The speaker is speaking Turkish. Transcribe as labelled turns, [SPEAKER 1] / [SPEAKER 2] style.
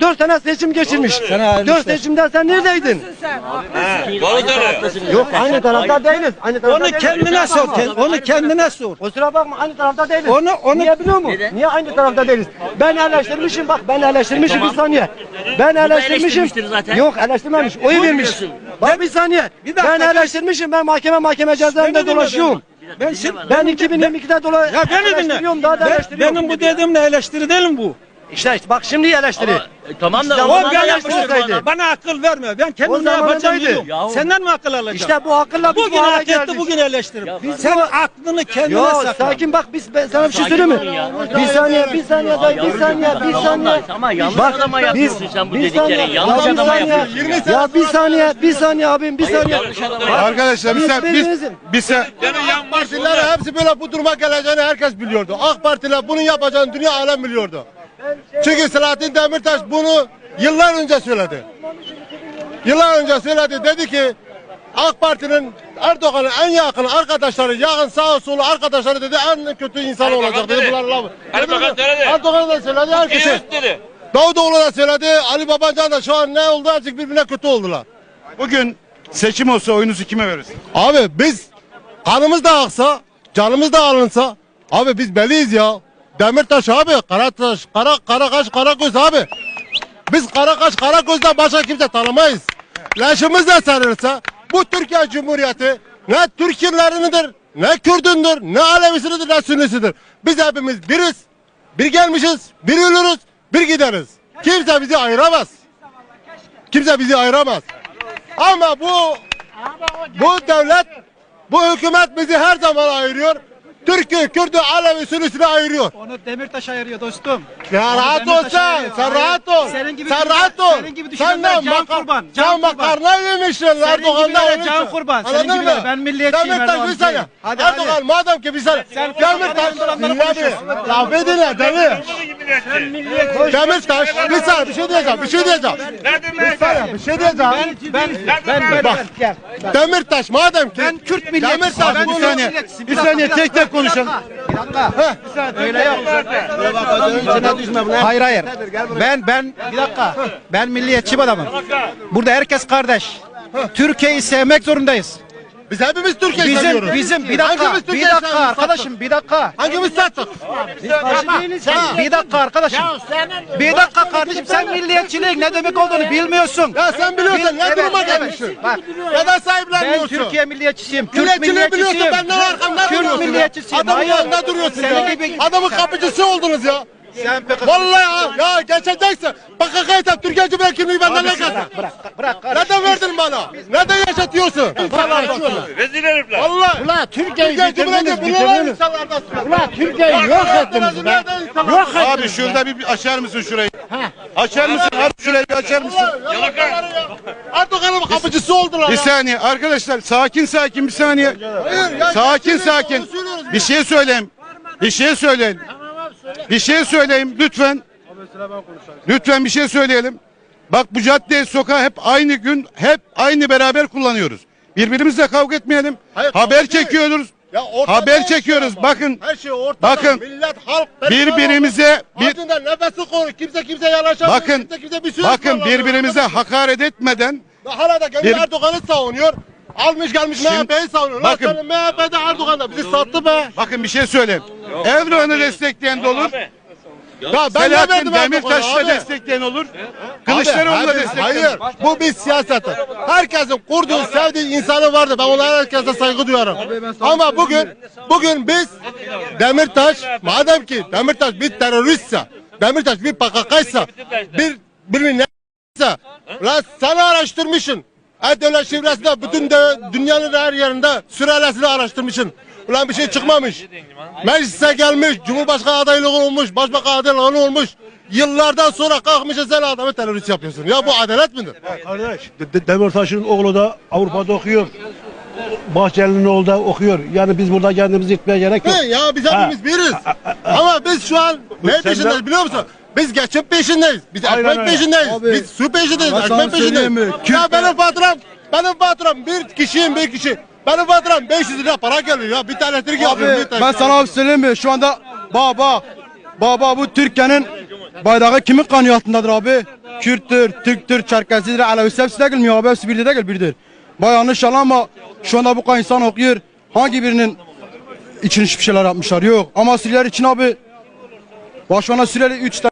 [SPEAKER 1] 4 sene seçim geçirmiş. 4 seçimde sen neredeydin? Yok aynı tarafta değiliz. Aynı tarafta
[SPEAKER 2] Onu kendine sor. Onu kendine sor.
[SPEAKER 1] Kusura bakma aynı tarafta değiliz.
[SPEAKER 2] Onu
[SPEAKER 1] Niye biliyor musun? Niye aynı tarafta değiliz? Ben eleştirmişim bak ben eleştirmişim bir saniye. Ben eleştirmişim. Yok eleştirmemiş. Oy vermiş. Bak bir saniye. Ben eleştirmişim. Ben mahkeme cezaevinde dolaşıyorum. Ben 2022'de
[SPEAKER 2] Ya beni
[SPEAKER 1] eleştiriyorum daha da eleştiriyorum.
[SPEAKER 2] benim bu dediğimle eleştiri değil mi bu?
[SPEAKER 1] İşte bak şimdi eleştiri.
[SPEAKER 3] Tamam da
[SPEAKER 1] İşte
[SPEAKER 3] o
[SPEAKER 1] o
[SPEAKER 3] zaman
[SPEAKER 1] ben
[SPEAKER 3] yapmıştır
[SPEAKER 1] yapmıştım.
[SPEAKER 2] Bana akıl verme. Ben kendim
[SPEAKER 1] O
[SPEAKER 2] ne yapacağım
[SPEAKER 1] zamanındaydı.
[SPEAKER 2] biliyorum.
[SPEAKER 3] Yahu.
[SPEAKER 2] Senden mi akıl alacağım?
[SPEAKER 1] İşte bu akılla biz
[SPEAKER 2] bugün
[SPEAKER 1] bu hale
[SPEAKER 2] hak etti,
[SPEAKER 1] geldik.
[SPEAKER 2] bugün eleştirim.
[SPEAKER 1] Biz
[SPEAKER 2] Sen
[SPEAKER 1] bu-
[SPEAKER 2] aklını kendine
[SPEAKER 1] Yo
[SPEAKER 2] sakla.
[SPEAKER 1] sakin bak ben sana bir şey söyleyeyim mi? Bir saniye dayı bir saniye.
[SPEAKER 3] Ama yanlış adama yapıyorsun sen bu dediklerini. Yanlış
[SPEAKER 1] bir
[SPEAKER 3] adama
[SPEAKER 1] saniye.
[SPEAKER 3] yapıyorsun.
[SPEAKER 1] Ya bir saniye abim bir saniye.
[SPEAKER 4] Arkadaşlar bir sen
[SPEAKER 5] AK Partililer hepsi böyle bu duruma geleceğini herkes biliyordu. AK Partiler bunu yapacağını dünya alem biliyordu. Çünkü Selahattin Demirtaş bunu yıllar önce söyledi. Yıllar önce söyledi. Dedi ki AK Parti'nin Erdoğan'ın en yakın arkadaşları, yakın sağ solu arkadaşları dedi en kötü insan olacak dedi. Bunlar lafı. Erdoğan da söyledi herkese. Davutoğlu da söyledi. Ali Babacan da şu an ne oldu? Azıcık birbirine kötü oldular.
[SPEAKER 4] bugün seçim olsa oyunuzu kime verirsin?
[SPEAKER 5] Abi biz kanımız da aksa, canımız da alınsa abi biz belliyiz ya. Demirtaş abi, Karataş, Karakaş, Karagöz abi. Biz Karakaş, Karagöz'den başka kimse tanımayız. Leşimiz de sarılırsa bu Türkiye Cumhuriyeti ne Türklerinidir, ne Kürdündür, ne Alevisidir, ne Sünnisidir. Biz hepimiz biriz. Bir gelmişiz, bir ölürüz, bir gideriz. Kimse bizi ayıramaz. Kimse bizi ayıramaz. Ama bu devlet, bu hükümet bizi her zaman ayırıyor. Türk'ü, Kürt'ü, Alevi, Sünnisi'ni ayırıyor.
[SPEAKER 2] Onu Demirtaş ayırıyor dostum.
[SPEAKER 5] Ya rahat ol sen rahat ol. Sen rahat ol. Sen de can makarna yemişsin Erdoğan'dan.
[SPEAKER 2] Can kurban.
[SPEAKER 5] Anladın
[SPEAKER 2] Senin
[SPEAKER 5] mı?
[SPEAKER 2] gibiler. Ben milliyetçiyim
[SPEAKER 5] Demirtaş bir saniye. Erdoğan madem ki bir saniye. Demirtaş laf edinler deli. Demirtaş bir saniye bir şey diyeceğim. Bir şey diyeceğim. Bir şey diyeceğim. Demirtaş madem ki
[SPEAKER 2] Ben Kürt milliyetçisiyim.
[SPEAKER 5] Demirtaş
[SPEAKER 2] Ben
[SPEAKER 5] bir
[SPEAKER 2] Kürt
[SPEAKER 5] saniye.
[SPEAKER 2] milliyetçisiyim.
[SPEAKER 1] Bir saniye tek tek konuşalım.
[SPEAKER 2] Öyle yok. Hayır. Ben bir dakika. Ben milliyetçi bir adamım. Burada herkes kardeş. Türkiye'yi sevmek zorundayız.
[SPEAKER 5] Biz hepimiz Türkiye'yi seviyoruz.
[SPEAKER 2] Bizim bir
[SPEAKER 5] Hangimiz
[SPEAKER 2] dakika
[SPEAKER 5] Türkiye'yi seviyoruz?
[SPEAKER 2] arkadaşım bir dakika.
[SPEAKER 5] Hangimiz sattık?
[SPEAKER 2] Bir dakika arkadaşım. Bir dakika kardeşim sen milliyetçiliğin ne demek olduğunu bilmiyorsun.
[SPEAKER 5] Ya sen biliyorsun ne duruma gelmişsin?
[SPEAKER 2] Bak,
[SPEAKER 5] Neden
[SPEAKER 2] ben
[SPEAKER 5] sahiplenmiyorsun?
[SPEAKER 2] Türkiye milliyetçisiyim. Kürt
[SPEAKER 5] Milliyetçiliği biliyorsun
[SPEAKER 2] milliyetçisiyim.
[SPEAKER 5] benden arkamda
[SPEAKER 2] Kürt
[SPEAKER 5] duruyorsun.
[SPEAKER 2] milliyetçisiyim.
[SPEAKER 5] Adamın
[SPEAKER 2] Hayır.
[SPEAKER 5] yanında duruyorsun
[SPEAKER 2] Senin
[SPEAKER 5] ya.
[SPEAKER 2] gibi-
[SPEAKER 5] Adamın kapıcısı oldunuz ya.
[SPEAKER 2] Sen pek
[SPEAKER 5] Vallahi ya geçeceksin. PKK'yı sen Türkiye Cumhuriyeti kimliği benden ne kadar?
[SPEAKER 2] bırak.
[SPEAKER 5] Neden verdin bana? Neden yaşatıyorsun?
[SPEAKER 6] Rezil herifler.
[SPEAKER 5] Vallahi.
[SPEAKER 1] Ulan Türkiye'yi
[SPEAKER 5] Türkiye Cumhuriyeti bunlar insanlardan.
[SPEAKER 1] Ulan Türkiye'yi yok ettiniz be. Yok
[SPEAKER 4] Abi şurada bir açar mısın şurayı? Açar mısın? Abi şurayı bir açar mısın?
[SPEAKER 5] Erdoğan'ın kapıcısı oldular
[SPEAKER 4] Bir
[SPEAKER 5] ya.
[SPEAKER 4] saniye arkadaşlar sakin bir saniye.
[SPEAKER 5] Hayır, ya
[SPEAKER 4] Sakin
[SPEAKER 5] geçelim,
[SPEAKER 4] sakin.
[SPEAKER 5] onu söylüyoruz
[SPEAKER 4] Bir şey söyleyeyim. Bir şey söyleyeyim lütfen. Lütfen bir şey söyleyelim. Bak bu cadde sokağı hep aynı gün hep aynı beraber kullanıyoruz. Birbirimizle kavga etmeyelim.
[SPEAKER 5] Hayır, kavga
[SPEAKER 4] Haber
[SPEAKER 5] değil.
[SPEAKER 4] çekiyoruz.
[SPEAKER 5] Ya ortada
[SPEAKER 4] Haber
[SPEAKER 5] her şey
[SPEAKER 4] çekiyoruz.
[SPEAKER 5] var.
[SPEAKER 4] Bakın.
[SPEAKER 5] Her şey ortada.
[SPEAKER 4] Bakın.
[SPEAKER 5] Millet, halk
[SPEAKER 4] Birbirimize
[SPEAKER 5] Ağzından nefesi koru. Kimse yanaşamıyor.
[SPEAKER 4] bakın
[SPEAKER 5] Kimse bir söz
[SPEAKER 4] bakın
[SPEAKER 5] kullanmıyor.
[SPEAKER 4] birbirimize hakaret etmeden
[SPEAKER 5] Hala da kendi
[SPEAKER 4] Bir-
[SPEAKER 5] Erdoğan'ı savunuyor. Almış gelmiş
[SPEAKER 4] Şimdi-
[SPEAKER 5] MHP'yi savunuyor.
[SPEAKER 4] bakın.
[SPEAKER 5] Bakın. MHP'de Erdoğan da bizi sattı be.
[SPEAKER 4] bakın bir şey söyleyeyim. Erdoğan'ı destekleyen de olur.
[SPEAKER 5] Ya ben ne
[SPEAKER 4] Selahattin
[SPEAKER 5] verdim
[SPEAKER 4] Demirtaş'ı
[SPEAKER 5] Erdoğan'a
[SPEAKER 4] da
[SPEAKER 5] abi?
[SPEAKER 4] destekleyen olur. Kılıçdaroğlu'nu da destekleyen
[SPEAKER 5] Hayır.
[SPEAKER 4] olur.
[SPEAKER 5] Bu bir siyaset. Herkesin kurduğu, sevdiği insanı vardı. Ben onlara herkese saygı duyarım. Ama bugün biz Demirtaş, madem ki Demirtaş bir teröristse, Demirtaş bir PKK'ysa, birini neyse, lan sen araştırmışsın. Devlet şifresinde bütün dünyanın her yerinde sülalesini araştırmışsın. Ulan bir şey çıkmamış. Meclise gelmiş, Cumhurbaşkanı adaylığı olmuş, Başbakan adaylığı olmuş. Yıllardan sonra kalkmışsın sen adamı terörist yapıyorsun. Ya bu adalet midir?
[SPEAKER 7] Kardeş, Demirtaş'ın oğlu da Avrupa'da okuyor. Bahçeli'nin oğlu da okuyor. Yani biz burada kendimizi yıkmaya gerek yok.
[SPEAKER 5] He, ya biz hepimiz biriz. Ama biz şu an ne
[SPEAKER 7] sen
[SPEAKER 5] peşindeyiz
[SPEAKER 7] de-
[SPEAKER 5] biliyor musun? Biz geçim peşindeyiz. Biz
[SPEAKER 7] Aynen
[SPEAKER 5] ekmek
[SPEAKER 7] öyle.
[SPEAKER 5] peşindeyiz.
[SPEAKER 7] Abi,
[SPEAKER 5] Biz su peşindeyiz.
[SPEAKER 7] ben sana
[SPEAKER 5] Ekmek peşindeyiz.
[SPEAKER 7] söyleyeyim mi?
[SPEAKER 5] Ya benim faturam bir kişi. Benim faturam 500 lira para geliyor ya. Bir tane elektrik yapıyorum. Bir tane.
[SPEAKER 7] Ben sana abi söyleyeyim mi? Şu anda baba bu Türkiye'nin bayrağı kimin kanı altındadır abi?
[SPEAKER 8] Kürttür, Türktür, Çerkezidir, Alevisi hepsi de gelmiyor abi. Hepsi birdir değil, birdir. Baya yanlış yalan ama şu anda bu kadar insan okuyor. Hangi birinin için hiçbir şeyler yapmışlar? Yok. Ama Suriyeliler için abi, başkana Suriyeli 3